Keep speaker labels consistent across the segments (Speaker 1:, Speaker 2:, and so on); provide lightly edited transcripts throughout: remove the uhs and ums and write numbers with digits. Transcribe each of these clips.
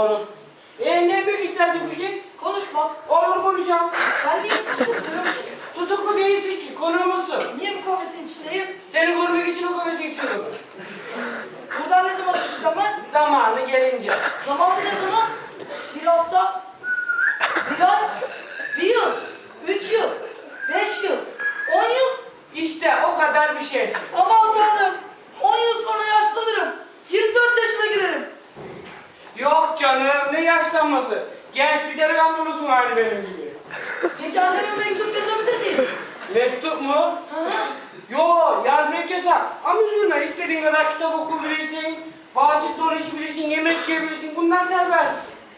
Speaker 1: Doğru. Ne büyük istersin peki?
Speaker 2: Konuşmak.
Speaker 1: Olur konuşalım.
Speaker 2: Ben niye tutukluyorum?
Speaker 1: Tutuklu değilsin ki, konuğumuzsun.
Speaker 2: Niye bu kafesin içindeyim?
Speaker 1: Seni korumak için o kafesi içiyorum.
Speaker 2: Buradan ne zaman çıkacağım ben?
Speaker 1: Zamanı gelince.
Speaker 2: Zamanı ne zaman? Bir hafta, bir ay, bir yıl, 3 yıl, 5 yıl, 10 yıl.
Speaker 1: İşte o kadar bir şey.
Speaker 2: Aman Tanrım, 10 yıl sonra yaşlanırım. 24 yaşına girerim.
Speaker 1: Yok canım, ne yaşlanması. Genç bir delikanlı olursun aynı benim gibi.
Speaker 2: Peki anneme mektup yazabilir miyim?
Speaker 1: Mektup mu?
Speaker 2: Hı?
Speaker 1: Yo, yazmak yasak. Ama üzülme, istediğin kadar kitap okuyabilirsin, bahçede dolaşabilirsin, yemek yiyebilirsin. Bunlar serbest.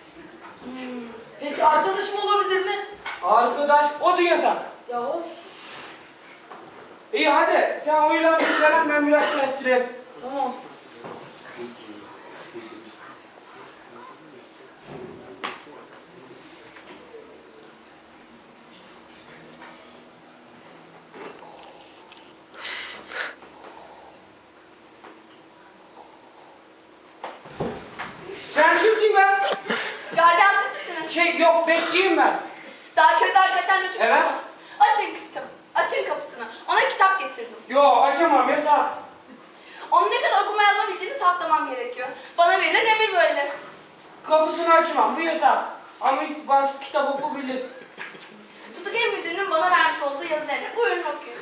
Speaker 2: Peki arkadaşım olabilir mi?
Speaker 1: Arkadaş, o da yasak.
Speaker 2: Ya of.
Speaker 1: İyi hadi, sen uyulan bir ben biraz kestireyim.
Speaker 2: Tamam.
Speaker 1: Sen kimsin be?
Speaker 3: Gardiyansız mısınız?
Speaker 1: Yok, bekçiyim ben.
Speaker 3: Daha köyden kaçan çocuk
Speaker 1: Evet.
Speaker 3: mu? Açın kapısını. Ona kitap getirdim.
Speaker 1: Yo, açamam, yasak.
Speaker 3: Onun ne kadar okuma yazma bildiğini saptamam gerekiyor. Bana verilen emir böyle.
Speaker 1: Kapısını açmam, bu yasak. Ama başka kitap okuyabilir.
Speaker 3: Tutuk Ev Müdürü'nün bana vermiş olduğu yazılarını. Buyurun okuyun.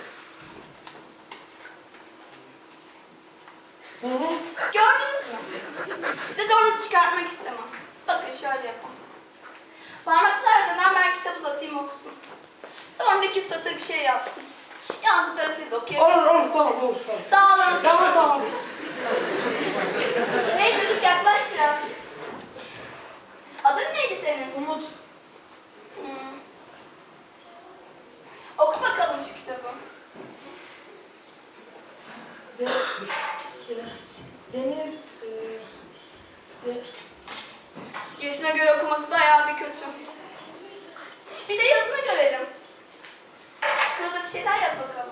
Speaker 3: Gördünüz mü? Size de onu çıkartmak istemem. Bakın şöyle yapın. Parmaklı aradan ben kitap uzatayım okusun. Sonra 200 satır bir şey yazsın. Yazdıkları siz de okuyabilirsiniz.
Speaker 1: Olur, tamam, olur.
Speaker 3: Sağ olun.
Speaker 1: Tamam.
Speaker 3: Hey çocuk yaklaş biraz. Adın neydi senin?
Speaker 2: Umut.
Speaker 3: Oku bakalım şu kitabı.
Speaker 2: Deniz.
Speaker 3: Yaşına göre okuması bayağı bir kötü. Bir de yazını görelim. Şurada bir şeyler yaz bakalım.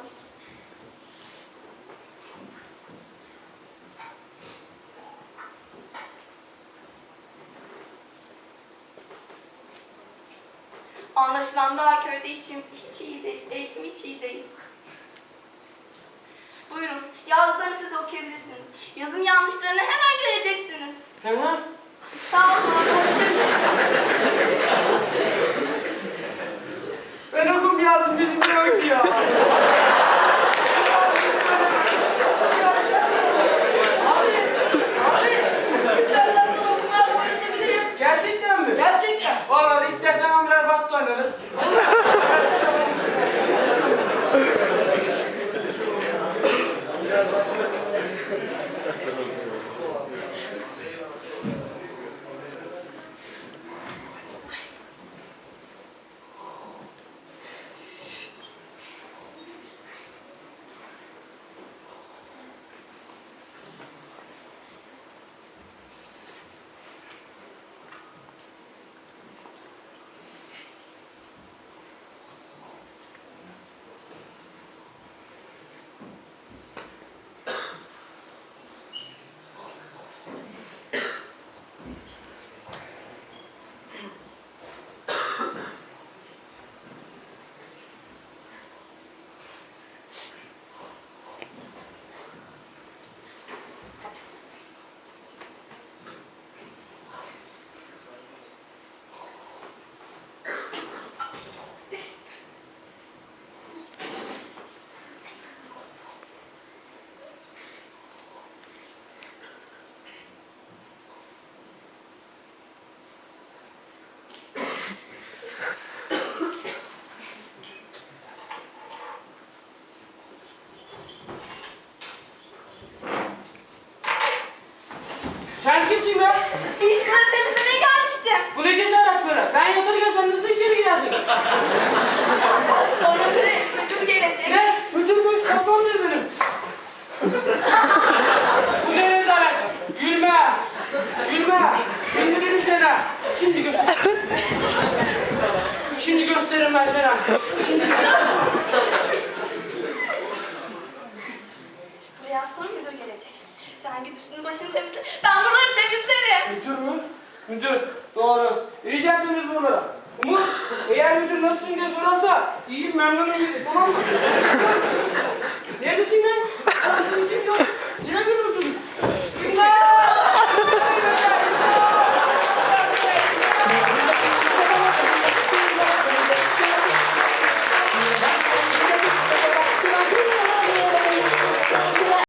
Speaker 3: Anlaşılan daha köyde hiç iyi değil, eğitim hiç iyi değil. Buyurun, yazdıklarını siz de okuyabilirsiniz. Yazım yanlışlarını hemen göreceksiniz.
Speaker 1: Hemen.
Speaker 3: Sağ olun.
Speaker 1: Ben okum yazdım, bilmiyorum ya.
Speaker 2: Abi, istersen sana okuma yazma öğretebilirim.
Speaker 1: Gerçekten mi?
Speaker 2: Gerçekten.
Speaker 1: Vallahi istersen birer battı oynarız. Sen kimsin be?
Speaker 3: İlk kırık temizlemeye gelmiştim.
Speaker 1: Bu ne cesaret böyle? Ben yatırırken sen nasıl içeri girersin?
Speaker 3: Sonra müdür gelecek.
Speaker 1: Ne? Müdür mü? Kaptan ne benim? Bu ne rezalet? Gülme! Gülme dedim sana. Şimdi göster. Şimdi gösteririm ben sana.
Speaker 3: Buraya az sonra müdür gelecek. Sen git üstünü başını temizle. Ben buraları temizlerim.
Speaker 1: Müdür mü? Müdür. nasılsın diye sorarsa iyiyim memnunum gibi tamam mı? Neredesin lan?